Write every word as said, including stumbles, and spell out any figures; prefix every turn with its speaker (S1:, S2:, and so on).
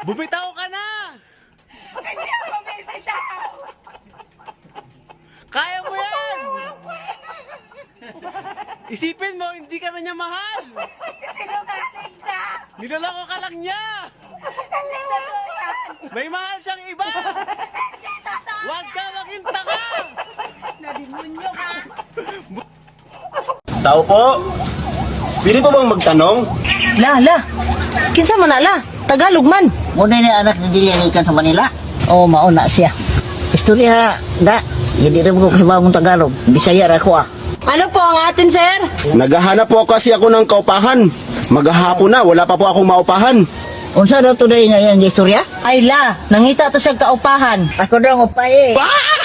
S1: Bumitaw ka na!
S2: Hindi ako bibitaw!
S1: Kaya mo yan! Isipin mo, hindi ka na niya mahal!
S2: Sinungaling ka!
S1: Niloloko ka lang niya!
S2: Hindi totoo yan!
S1: May mahal siyang iba!
S2: Hindi totoo!
S1: Huwag ka magintaka!
S2: Nadimonyo ka!
S3: Tao po, pili po bang magtanong?
S4: La, la. Kinsa man na, la? Tagalog man.
S5: Muna ni anak ni Dili ang ikan sa Manila.
S4: Oh, mauna siya.
S5: Istorya, da. Hindi rin ko kahibaw mong Tagalog. Bisaya ra ko ah.
S4: Ano po ang atin, sir?
S3: Naghahanap po kasi ako ng kaupahan. Maghahapon na, wala pa po akong maupahan.
S5: Unsa daw today nga yung istorya?
S4: Ay, la. Nangita to sa kaupahan.
S5: Ako daw ang upay eh.